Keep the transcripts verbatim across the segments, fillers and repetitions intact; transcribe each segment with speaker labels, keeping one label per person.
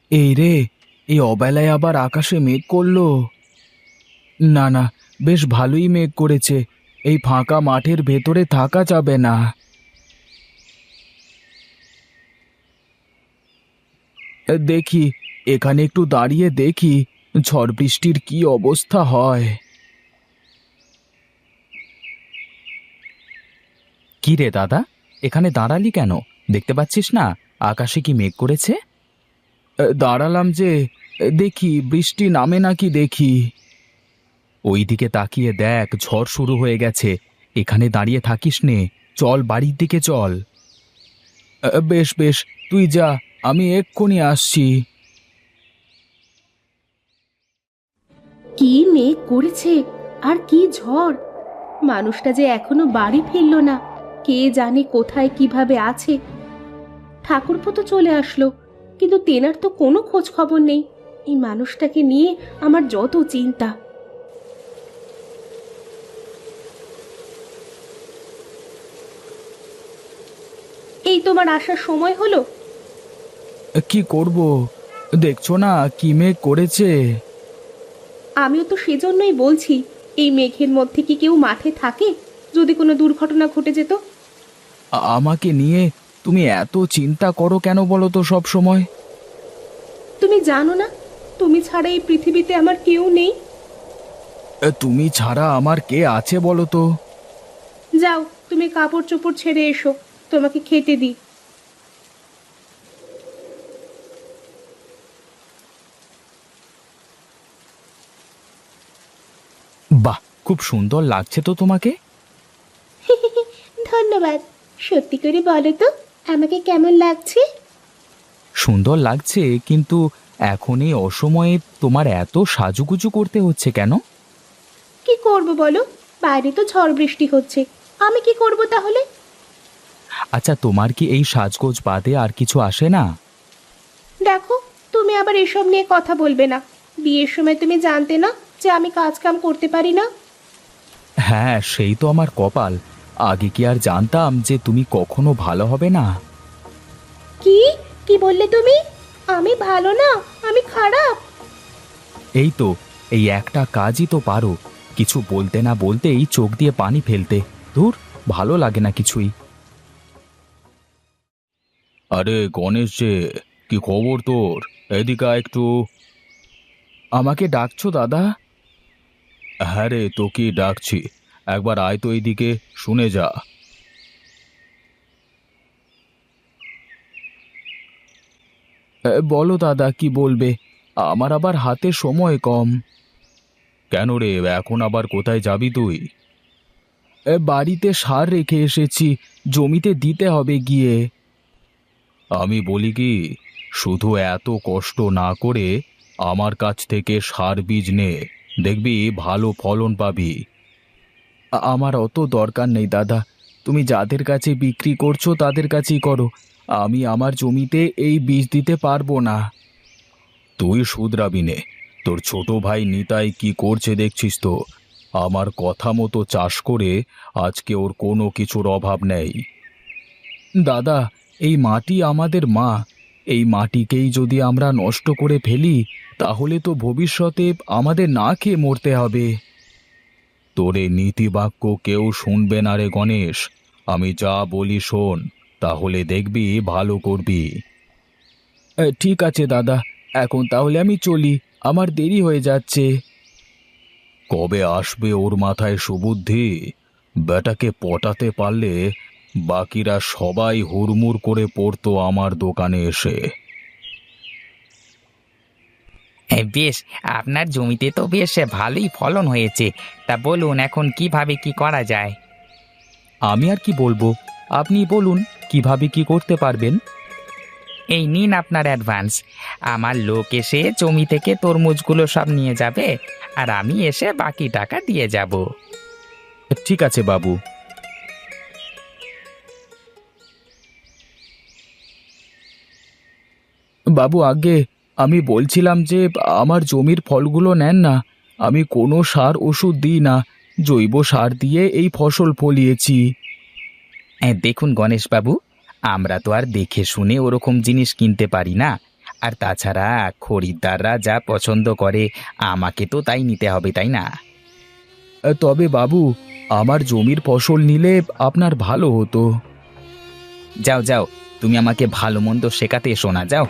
Speaker 1: এই রে, এই অবেলায় আবার আকাশে মেঘ করলো। না না, বেশ ভালোই মেঘ করেছে। এই ফাঁকা মাঠের ভেতরে থাকা যাবে না। এ, দেখি, এখানে একটু দাঁড়িয়ে দেখি ঝড় বৃষ্টির কি অবস্থা হয়। কি রে দাদা, এখানে দাঁড়ালি কেন? দেখতে পাচ্ছিস না আকাশে কি মেঘ করেছে? এ, দাঁড়ালাম যে, এ, দেখি বৃষ্টি নামে নাকি দেখি। ওইদিকে তাকিয়ে দেখ, ঝড় শুরু হয়ে গেছে। এখানে দাঁড়িয়ে থাকিস নে, চল বাড়ির দিকে চল। আ, বেশ বেশ, তুই যা, আমি এক্ষুনি আসছি।
Speaker 2: কি মেঘ করেছে আর কি ঝড়! মানুষটা যে এখনো বাড়ি ফিরল না। কে জানে কোথায় কিভাবে আছে। ঠাকুরপো তো চলে আসলো, কিন্তু তেনার তো কোনো খোঁজ খবর নেই। এই মানুষটাকে নিয়ে আমার যত চিন্তা। এই তোমার আসার সময় হলো।
Speaker 1: কি করব, দেখছো না কি মেঘ করেছে।
Speaker 2: আমিও তো সেজন্যই বলছি, এই মেঘের মধ্যে কি কেউ মাঠে থাকে? যদি কোনো দুর্ঘটনা ঘটে যেত।
Speaker 1: আ- আমাকে নিয়ে তুমি এত চিন্তা করো কেন বলো তো সব সময়?
Speaker 2: তুমি জানো না, তুমি ছাড়া এই পৃথিবীতে আমার কেউ নেই।
Speaker 1: তুমি ছাড়া আমার কে আছে বলো তো?
Speaker 2: যাও, তুমি কাপড় চোপড় ছেড়ে এসো, তোমাকে খেতে দিই।
Speaker 1: বাহ, খুব সুন্দর লাগছে তো তোমাকে।
Speaker 2: ধন্যবাদ। সত্যি করে বলো তো, আমাকে কেমন লাগছে?
Speaker 1: সুন্দর লাগছে, কিন্তু এখন এই অসময়ে তোমার এত সাজুগুজু করতে হচ্ছে কেন?
Speaker 2: কি করব বলো, বাইরে তো ঝড় বৃষ্টি হচ্ছে। আমি কি করব তাহলে?
Speaker 1: আচ্ছা, তোমার কি এই সাজগোজ বাদে আর কিছু আসে না?
Speaker 2: দেখো, তুমি আবার এসব নিয়ে কথা বলবে না। বিয়ের সময় তুমি জানতে না যে আমি কাজ কাম করতে পারি না?
Speaker 1: হ্যাঁ, সেই তো আমার কপাল। আগে কি আর জানতাম যে তুমি কখনো ভালো হবে না?
Speaker 2: কি কি বললে তুমি? আমি ভালো না, আমি খারাপ?
Speaker 1: এই তো, এই একটা কাজই তো পারো, কিছু বলতে না বলতেই চোখ দিয়ে পানি ফেলতে। ধুর, ভালো লাগে না কিছুই। আরে গণেশ যে, কি খবর তোর? এদিকে আয় একটু। আমাকে ডাকছো দাদা? হ্যাঁ রে, তোকে ডাকছি। একবার আয় তো এইদিকে, শুনে যা। এ, বলো দাদা, কি বলবে? আমার আবার হাতে সময় কম। কেন রে, এখন আবার কোথায় যাবি তুই? এ, বাড়িতে সার রেখে এসেছি, জমিতে দিতে হবে গিয়ে। আমি বলি কি, শুধু এত কষ্ট না করে আমার কাছ থেকে সার বীজ নে, দেখবি ভালো ফলন পাবি। আ- আমার অত দরকার নেই দাদা, তুমি যাদের কাছে বিক্রি করছো তাদের কাছেই করো। আমি আমার জমিতে এই বীজ দিতে পারবো না। তুই শুধরাবি নে, তোর ছোট ভাই নিতাই কি করছে দেখছিস তো। আমার কথা মতো চাষ করে আজকে ওর কোনো কিছুর অভাব নেই। দাদা, এই মাটি আমাদের মা। এই মাটিকেই যদি আমরা নষ্ট করে ফেলি, তাহলে তো ভবিষ্যতে আমাদের না খেয়ে মরতে হবে। তোর এই নীতিবাক্য কেউ শুনবে না রে গণেশ। আমি যা বলি শোন, তাহলে দেখবি ভালো করবি। এ, ঠিক আছে দাদা, এখন তাহলে আমি চলি, আমার দেরি হয়ে যাচ্ছে। কবে আসবে ওর মাথায় সুবুদ্ধি? বেটাকে পটাতে পারলে বাকিরা সবাই হুড়মুড় করে পড়তো আমার দোকানে এসে।
Speaker 3: হ্যাঁ, বেশ। আপনার জমিতে তো বেশ ভালোই ফলন হয়েছে। তা বলুন, এখন কিভাবে কি করা যায়?
Speaker 1: আমি আর কি বলবো, আপনি বলুন কিভাবে কি করতে পারবেন।
Speaker 3: এই নিন আপনার অ্যাডভান্স। আমার লোক এসে জমি থেকে তরমুজগুলো সব নিয়ে যাবে, আর আমি এসে বাকি টাকা দিয়ে যাব।
Speaker 1: ঠিক আছে বাবু। বাবু, আগে আমি বলছিলাম যে আমার জমির ফলগুলো নেন না। আমি কোনো সার ওষুধ দিই না, জৈব সার দিয়ে এই ফসল ফলিয়েছি।
Speaker 3: হ্যাঁ, দেখুন গণেশবাবু, আমরা তো আর দেখে শুনে ওরকম জিনিস কিনতে পারি না। আর তাছাড়া খরিদ্দাররা যা পছন্দ করে আমাকে তো তাই নিতে হবে, তাই না?
Speaker 1: এ, তবে বাবু, আমার জমির ফসল নিলে আপনার ভালো হতো।
Speaker 3: যাও যাও, তুমি আমাকে ভালো মন্দ শেখাতে এসো না, যাও।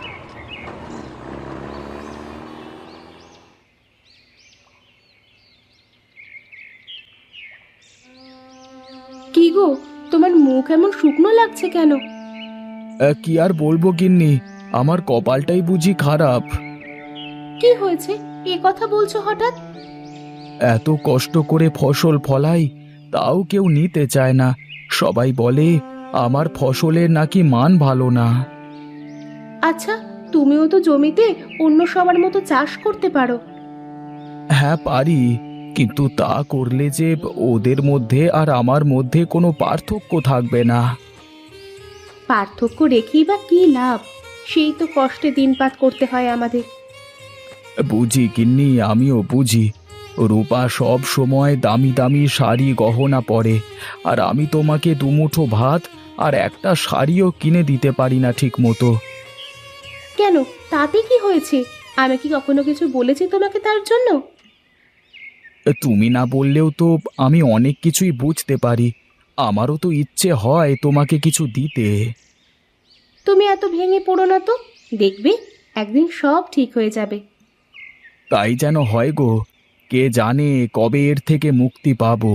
Speaker 2: কি গো, তোমার মুখ এমন শুকনো লাগছে কেন?
Speaker 1: এ, কি আর বলবো গিন্নি, আমার কপালটাই বুঝি খারাপ।
Speaker 2: কি হয়েছে এ কথা বলছো হঠাৎ?
Speaker 1: এত কষ্ট করে ফসল ফলাই, তাও কেউ নিতে চায় না। সবাই বলে আমার ফসলের নাকি মান ভালো না।
Speaker 2: আচ্ছা, তুমিও তো জমিতে অন্য সবার মতো চাষ করতে পারো।
Speaker 1: হ্যাঁ পারি, কিন্তু তা করলে যে ওদের মধ্যে আর আমার মধ্যে কোনো পার্থক্য থাকবে না।
Speaker 2: পার্থক্য রেখেই বা কি লাভ? সেই তো কষ্টে দিনপাত করতে হয় আমাদের।
Speaker 1: বুঝি গিন্নি, আমিও বুঝি। রূপা সব সময় দামি দামি শাড়ি গহনা পরে, আর আমি তোমাকে দুমুঠো ভাত আর একটা শাড়িও কিনে দিতে পারি না ঠিক মতো।
Speaker 2: কেন, তাতে কি হয়েছে? আমি কি কখনো কিছু বলেছি তোমাকে তার জন্য?
Speaker 1: তুমি না বললেও তো আমি অনেক কিছুই বুঝতে পারি। আমারও তো ইচ্ছে হয় তোমাকে কিছু দিতে।
Speaker 2: তুমি এত ভেঙে পড়ো না তো, দেখবে একদিন সব ঠিক হয়ে যাবে।
Speaker 1: তাই যেন হয় গো, কে জানে কবে এর থেকে মুক্তি পাবো।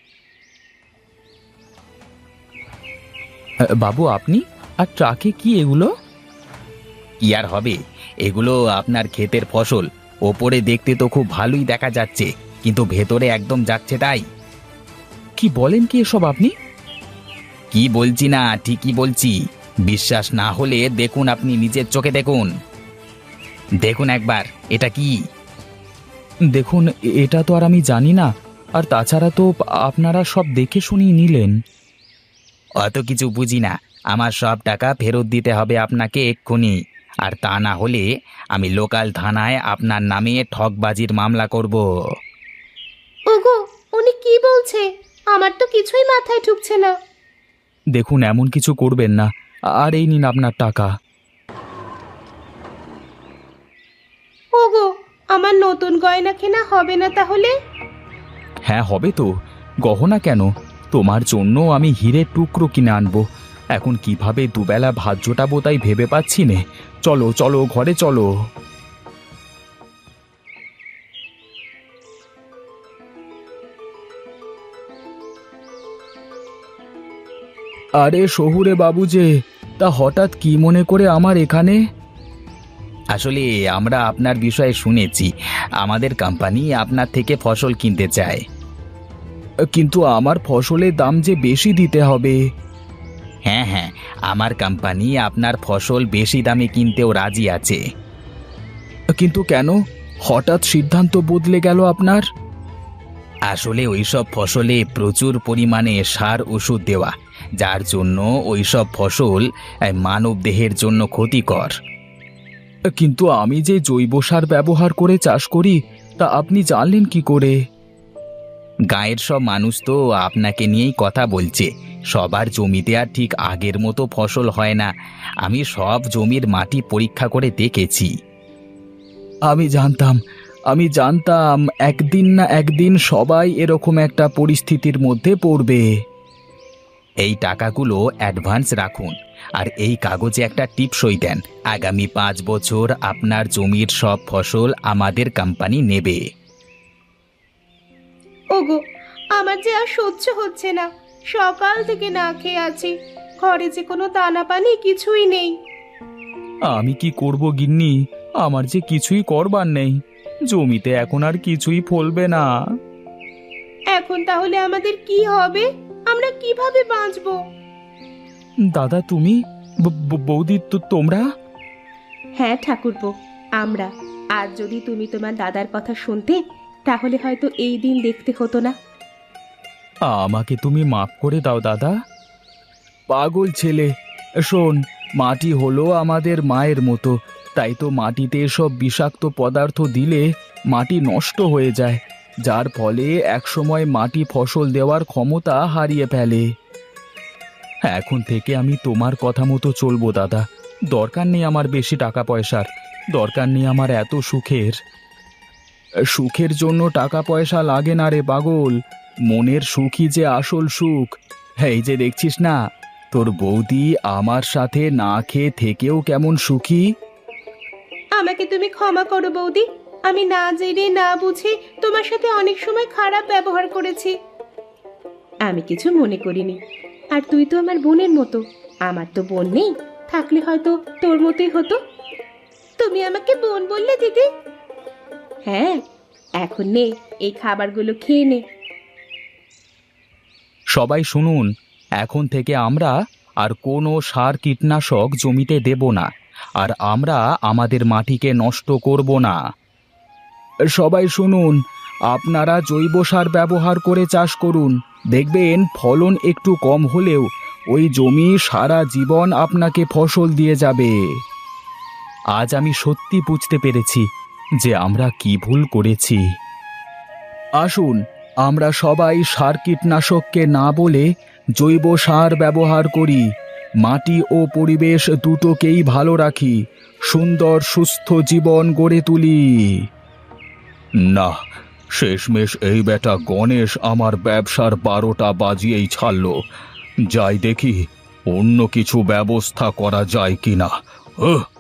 Speaker 1: বাবু, আপনি আর ট্রাকে কি এগুলো?
Speaker 3: কি আর হবে, এগুলো আপনার ক্ষেতের ফসল। ওপরে দেখতে তো খুব ভালোই দেখা যাচ্ছে, কিন্তু ভেতরে একদম যাচ্ছে তাই।
Speaker 1: কি বলেন কি এসব আপনি?
Speaker 3: কি বলছি না, ঠিকই বলছি। বিশ্বাস না হলে দেখুন, আপনি নিজের চোখে দেখুন। দেখুন একবার, এটা কি?
Speaker 1: দেখুন, এ- এটা তো আর আমি জানি না। আর তাছাড়া তো আপনারা সব দেখে শুনিয়ে নিলেন।
Speaker 3: অত কিছু বুঝি না। আমার সব টাকা ফেরত দিতে হবে আপনাকে এক্ষুনি। আর তা না হলে আমি লোকাল থানায় আপনার নামে ঠকবাজির মামলা করব।
Speaker 2: ওগো, উনি কি বলছে? আমার তো কিছুই মাথায় ঢুকছে না।
Speaker 1: দেখুন, এমন কিছু করবেন না। আর এই নিন আপনার টাকা।
Speaker 2: ওগো, আমার নতুন গয়না কেনা হবে না তাহলে?
Speaker 1: হ্যাঁ হবে তো। গহনা কেন, তোমার জন্য আমি হীরের টুকরো কিনে আনবো। এখন কিভাবে দুবেলা ভাত জোটাবো তাই ভেবে পাচ্ছি নে। চলো চলো, ঘরে চলো। আরে শহুরে বাবু যে, তা হঠাৎ কি মনে করে আমার এখানে?
Speaker 3: আসলে আমরা আপনার বিষয়ে শুনেছি, আমাদের কোম্পানি আপনার থেকে ফসল কিনতে চায়।
Speaker 1: কিন্তু আমার ফসলের দাম যে বেশি দিতে হবে।
Speaker 3: হ্যাঁ হ্যাঁ, আমার কোম্পানি আপনার ফসল বেশি দামে কিনতেও রাজি আছে।
Speaker 1: কিন্তু কেন হঠাৎ সিদ্ধান্ত বদলে গেল আপনার?
Speaker 3: আসলে ওইসব ফসলে প্রচুর পরিমাণে সার ওষুধ দেওয়া, যার জন্য ওইসব ফসল মানব দেহের জন্য ক্ষতিকর।
Speaker 1: কিন্তু আমি যে জৈব সার ব্যবহার করে চাষ করি, তা আপনি জানলেন কি করে?
Speaker 3: গাঁয়ের সব মানুষ তো আপনাকে নিয়েই কথা বলছে। সবার জমিতে আর ঠিক আগের মতো ফসল হয় না। আমি সব জমির মাটি পরীক্ষা করে দেখেছি।
Speaker 1: আমি জানতাম, আমি জানতাম একদিন না একদিন সবাই এরকম একটা পরিস্থিতির মধ্যে পড়বে।
Speaker 3: এই টাকাগুলো অ্যাডভান্স রাখুন, আর এই কাগজে একটা টিপসই দেন। আগামী পাঁচ বছর আপনার জমির সব ফসল আমাদের কোম্পানি নেবে।
Speaker 2: ওগো, আমার যে আর সহ্য হচ্ছে না। সকাল থেকে না খেয়ে আছি, ঘরে যে কোনো দানা পানি কিছুই নেই।
Speaker 1: আমি কি করব গিন্নি, আমার যে কিছুই করবার নেই। জমিতে এখন আর কিছুই ফলবে না।
Speaker 2: এখন তাহলে আমাদের কি হবে? আমরা কিভাবে বাঁচবো?
Speaker 1: দাদা তুমি, ব- ব- বৌদি তো তোমরা?
Speaker 2: হ্যাঁ ঠাকুরপো, আমরা। আর যদি তুমি তোমার দাদার কথা শুনতে, তাহলে হয়তো এই দিন দেখতে হতো না।
Speaker 1: আমাকে তুমি মাফ করে দাও দাদা। পাগল ছেলে, শোন, মাটি হলো আমাদের মায়ের মতো। তাই তো মাটিতে সব বিষাক্ত পদার্থ দিলে মাটি নষ্ট হয়ে যায়, যার ফলে একসময় মাটি ফসল দেওয়ার ক্ষমতা হারিয়ে ফেলে। এখন থেকে আমি তোমার কথা মতো চলবো দাদা। দরকার নেই আমার বেশি টাকা পয়সার, দরকার নেই আমার এত সুখের। সুখের জন্য টাকা পয়সা লাগে না রে পাগল, মনের সুখই যে আসল সুখ। এই যে দেখছিস না, তোর বৌদি আমার সাথে না খেয়ে থেকেও কেমন সুখী।
Speaker 2: আমাকে তুমি ক্ষমা করো বৌদি, আমি না জেনে না বুঝে তোমার সাথে অনেক সময় খারাপ ব্যবহার করেছি। আমি কিছু মনে করিনি। আর তুই তো আমার বোনের মতো, আমার তো বোন নেই, থাকলে হয়তো তোর মতোই হতো। তুমি আমাকে বোন বললে দিদি? হ্যাঁ, এখন নে, এই খাবারগুলো খেয়ে নে।
Speaker 1: সবাই শুনুন, এখন থেকে আমরা আর কোনো সার কীটনাশক জমিতে দেব না, আর আমরা আমাদের মাটিকে নষ্ট করব না। সবাই শুনুন, আপনারা জৈব সার ব্যবহার করে চাষ করুন, দেখবেন ফলন একটু কম হলেও ওই জমি সারা জীবন আপনাকে ফসল দিয়ে যাবে। আজ আমি সত্যি বুঝতে পেরেছি যে আমরা কি ভুল করেছি। আসুন, আমরা সবাই সার কীটনাশককে না বলে জৈব সার ব্যবহার করি, মাটি ও পরিবেশ দুটোকেই ভালো রাখি, সুন্দর সুস্থ জীবন গড়ে তুলি। না, শেষমেশ এই বেটা গণেশ আমার ব্যবসার বারোটা বাজিয়েই ছাড়ল। যাই দেখি অন্য কিছু ব্যবস্থা করা যায় কিনা।